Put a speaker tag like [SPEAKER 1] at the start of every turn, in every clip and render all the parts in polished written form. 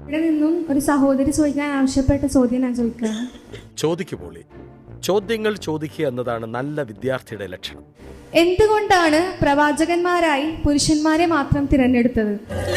[SPEAKER 1] ഇവിടെ നിന്നും ഒരു സഹോദരി ചോദിക്കാൻ ആവശ്യപ്പെട്ട ചോദ്യം ഞാൻ ചോദിക്കുകയാണ്.
[SPEAKER 2] ചോദിക്കുപോളി. ചോദ്യങ്ങൾ ചോദിക്കുക എന്നതാണ് നല്ല വിദ്യാർത്ഥിയുടെ ലക്ഷണം.
[SPEAKER 1] എന്തുകൊണ്ടാണ് പ്രവാചകന്മാരായി പുരുഷന്മാരെ മാത്രം തിരഞ്ഞെടുത്തത്?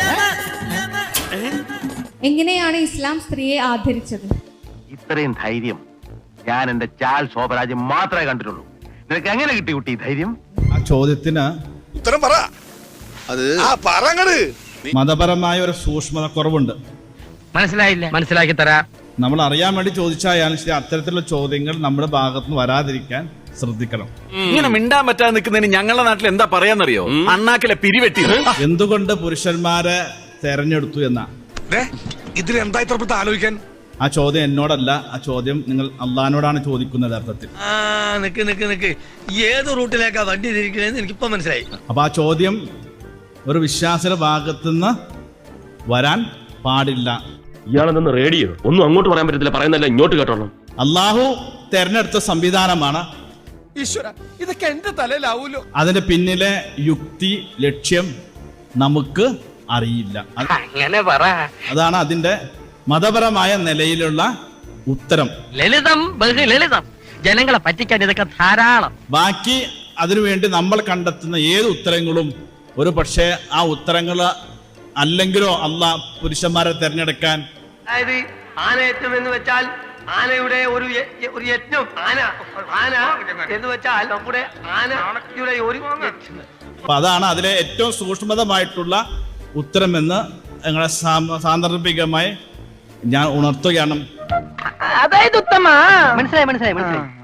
[SPEAKER 1] എങ്ങനെയാണ് ഇസ്ലാം സ്ത്രീയെ ആദരിച്ചത്?
[SPEAKER 3] ഇത്രയും ധൈര്യം ഞാൻ എന്റെ ചാൽ ശോഭരാജ്യം മാത്രമേ കണ്ടിട്ടുള്ളൂ. നിനക്ക് എങ്ങനെ കിട്ടി കുട്ടി ധൈര്യം?
[SPEAKER 4] ആ ചോദ്യത്തിന്
[SPEAKER 5] ഉത്തരം പറ. അത്
[SPEAKER 4] മതപരമായ ഒരു സൂക്ഷ്മത കുറവുണ്ട്.
[SPEAKER 6] മനസ്സിലായില്ല, മനസ്സിലാക്കി തരാം.
[SPEAKER 4] നമ്മൾ അറിയാൻ വേണ്ടി ചോദിച്ചായാലും ശരി, അത്തരത്തിലുള്ള ചോദ്യങ്ങൾ നമ്മുടെ ഭാഗത്തുനിന്ന് വരാതിരിക്കാൻ ശ്രദ്ധിക്കണം.
[SPEAKER 7] ഇങ്ങനെ മിണ്ടാൻ പറ്റാതെ നിൽക്കുന്നതിന് ഞങ്ങളുടെ നാട്ടിൽ എന്താ പറയാന്നറിയോ? അണ്ണാക്കിലെ പിരിവെട്ടി.
[SPEAKER 4] എന്തുകൊണ്ട് പുരുഷന്മാരെ തെരഞ്ഞെടുത്തു എന്ന
[SPEAKER 5] ഇതിലെന്താ ഇത്ര ആലോചിക്കാൻ?
[SPEAKER 4] ആ ചോദ്യം എന്നോടല്ല, ആ ചോദ്യം നിങ്ങൾ അള്ളഹാനോടാണ് ചോദിക്കുന്നത് അർത്ഥത്തിൽ.
[SPEAKER 6] നിക്ക് ഏത് റൂട്ടിലേക്കാ വണ്ടി തിരിക്കണേന്ന് എനിക്കിപ്പോ മനസ്സിലായി.
[SPEAKER 4] അപ്പൊ ആ ചോദ്യം ഒരു വിശ്വാസിയുടെ ഭാഗത്തുനിന്ന് വരാൻ പാടില്ല.
[SPEAKER 8] ഇയാളെന്ന് റേഡിയോ ഒന്നും അങ്ങോട്ട് പറയാൻ പറ്റത്തില്ല, പറയുന്നല്ല ഇങ്ങോട്ട് കേട്ടോളാം.
[SPEAKER 4] അള്ളാഹു തെരഞ്ഞെടുത്ത സംവിധാനമാണ്.
[SPEAKER 5] ഈശ്വര, ഇതൊക്കെ എന്റെ തലയിലാവൂലോ.
[SPEAKER 4] അതിന്റെ പിന്നിലെ യുക്തി, ലക്ഷ്യം നമുക്ക് അറിയില്ല.
[SPEAKER 6] അങ്ങനെ പറ.
[SPEAKER 4] അതാണ് അതിന്റെ മതപരമായ നിലയിലുള്ള ഉത്തരം.
[SPEAKER 6] ലളിതം, ബഹുലളിതം. ജനങ്ങളെ പറ്റിക്കാൻ ഇതൊക്കെ ധാരാളം.
[SPEAKER 4] ബാക്കി അതിനുവേണ്ടി നമ്മൾ കണ്ടെത്തുന്ന ഏത് ഉത്തരങ്ങളും ഒരു പക്ഷേ ആ ഉത്തരങ്ങൾ അല്ലെങ്കിലോ അള്ളാഹ് പുരുഷന്മാരെ തിരഞ്ഞെടുക്കാൻ.
[SPEAKER 6] അതായത് ആനയറ്റം എന്ന് വെച്ചാൽ ആനയുടെ ഒരു യജ്ഞം. ആന എന്ന് വെച്ചാൽ നമ്മുടെ ആനയുടെ ഒരു
[SPEAKER 4] അപ്പൊ അതാണ് അതിലെ ഏറ്റവും സൂക്ഷ്മതമായിട്ടുള്ള ഉത്തരമെന്ന് ഞങ്ങളെ സാന്ദർഭികമായി ഞാൻ ഉണർത്തുകയാണ്.
[SPEAKER 6] അതായത് ഉത്തമ. മനസ്സിലായി.